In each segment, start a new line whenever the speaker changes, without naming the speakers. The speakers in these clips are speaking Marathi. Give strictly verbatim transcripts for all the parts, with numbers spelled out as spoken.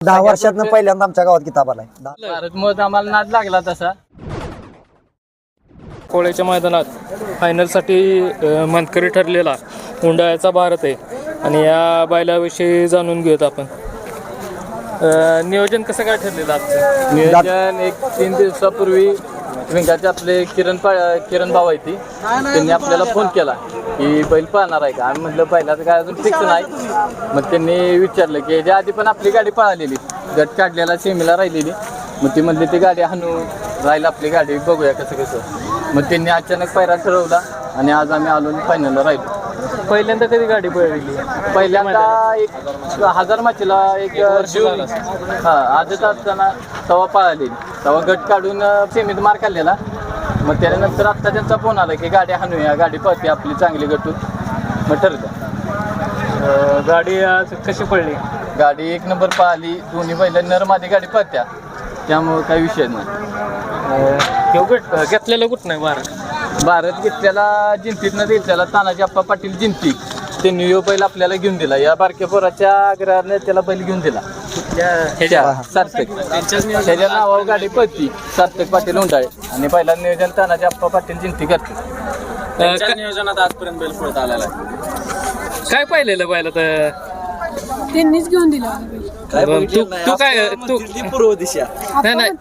दहा वर्षातनं पहिल्यांदा आमच्या गावात किताब आलाय.
भारत मत आम्हाला नाद लागला तसा.
कोळ्याच्या मैदानात फायनलसाठी मानकरी ठरलेला उंडाळ्याचा भारत आहे आणि या बैलाविषयी जाणून घेऊयात आपण. नियोजन कसं काय ठरलेलं आजचं?
नियोजन एक तीन दिवसापूर्वी विंगाचे आपले किरण पा किरण भाऊ आहे ती त्यांनी आपल्याला फोन केला की बैल पळणार आहे का. आम्ही म्हटलं बैलाचं काय अजून फिक्स नाही. मग त्यांनी विचारलं की याच्या आधी पण आपली गाडी पळालेली गट काढलेला सेमीला राहिलेली. मग ती म्हणली ती गाडी हाणू राहील आपली गाडी बघूया कसं कसं. मग त्यांनी अचानक पायरा ठरवला आणि आज आम्ही आलो पहिल्यांदा राहिलो.
पहिल्यांदा कधी गाडी पळवली?
पहिल्यांदा एक हजार माचीला एक जून हा आजच असताना तवा पळालेली. तवा गट काढून सेमीत मार काढलेला. मग त्यानंतर आत्ता त्यांचा फोन आला की गाडी हाणूया गाडी पळते आपली चांगली गटून. मग ठरलं.
गाडी आज कशी पडली?
गाडी एक नंबर पळाली. दोन्ही बैल नरमादी गाडी पळत्या त्यामुळं काही विषय नाही.
गट घेतलेलं कुठं नाही भारत?
भारत घेतल्याला जिंतीतनं घेतल्याला तानाजी आप्पा पाटील जिंती त्यांनी यो बैल आपल्याला घेऊन दिला. या बारक्या पोराच्या आग्रहाने त्याला बैल घेऊन दिला. सार्थक त्याच्या नावावर गाडी पळती सार्थक पाटील उंडाळे आणि पहिला नियोजन तानाजी आप्पा पाटील जिंती करते.
नियोजनात आजपर्यंत बैल पळत आलेला आहे. काय पाहिलेलं बैल तर
त्यांनीच घेऊन दिला.
तू तू काय तू
पूर्व दिशा
नाही नाही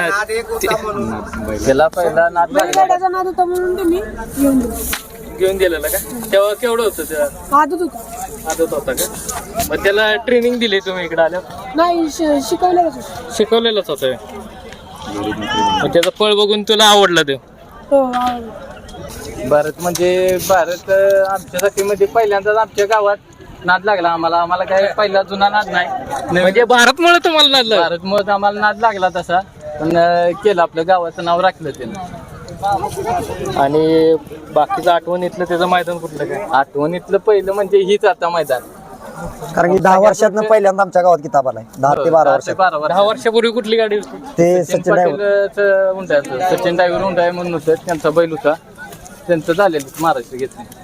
त्याला पहिला नाद लागला.
बैलगाड्याचा नाद होता म्हणून त्यांनी घेऊन दिला.
घेऊन दिलेलं का? तेव्हा केवढं होतं तेव्हा?
आदत होता.
आदत होता का? मग त्याला ट्रेनिंग दिली तुम्ही इकडे आल्यावर?
नाही श- शिकवलेलंच होतं.
शिकवलेलंच होतं. मग त्याचं फळ बघून तुला आवडलं ते?
हो आवडलं.
भारत म्हणजे भारत आमच्यासाठी म्हणजे पहिल्यांदाच आमच्या गावात नाद लागला आम्हाला. आम्हाला काय पहिला जुना नाद नाही.
म्हणजे भारतमुळे तुम्हाला नादलं?
भारत मत आम्हाला नाद लागला तसा पण केलं आपलं गावाचं नाव राखलं त्यानं.
आणि बाकीचं आठवणीतलं त्याचं मैदान कुठलं काय?
आठवणीतलं पहिलं म्हणजे हीच आता मैदान.
कारण की दहा वर्षातनं पहिल्यांदा आमच्या गावात किताब आलाय. दहा ते बारा वर्षात.
बारा वर्ष
दहा वर्षापूर्वी कुठली गाडी होती?
ते
सचिन
सचिन ड्रायव्हर
पाटील उंडायचं सचिन ड्रायव्हर उंडाय म्हणून होतं त्यांचा बैल होता. त्यांचं झालेलं महाराष्ट्र घेतलं.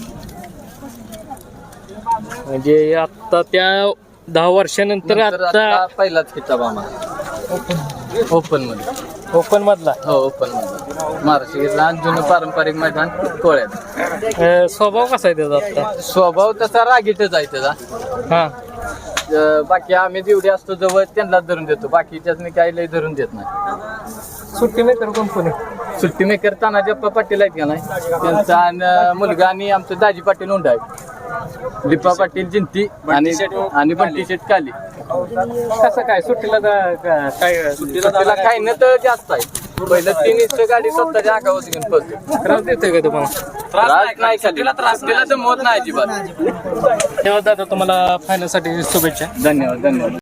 म्हणजे आता त्या दहा वर्षानंतर आता
पहिलाच किताब आम्हाला ओपन मध्ये.
ओपन मधला
हो ओपन मध्ये महाराष्ट्र घेतला. आणि जुनं पारंपरिक मैदान कोळ्यात.
अं, स्वभाव कसा आहे त्याचा आता?
स्वभाव तसा रागीटच आहे त्याचा.
हा
अं, बाकी आम्ही जेवढे असतो जवळ त्यांनाच धरून देतो. बाकीच्याच काही लय धरून देत नाही.
सुट्टी मेकर कोण कोणी?
सुट्टी मेकर तानाजी आप्पा पाटील आहेत का नाही त्यांचा आणि मुलगा आणि आमचं दाजी पाटील उंडा आहे. लिपा पाटील जिंती आणि आणि बंटी शेट काली.
कसं काय सुट्टीला जा- का- काय
सुट्टीला काही न तर जास्त आहे. पहिलं तीन इंच गाडी स्वतःच्या आगावर घेऊन पळतो.
त्रास देतोय का तुम्हाला?
त्रास नाही सुट्टीला त्रास दिला तर मोत नाही अजिबात.
तेव्हा दादा तुम्हाला फायनलसाठी शुभेच्छा.
धन्यवाद धन्यवाद.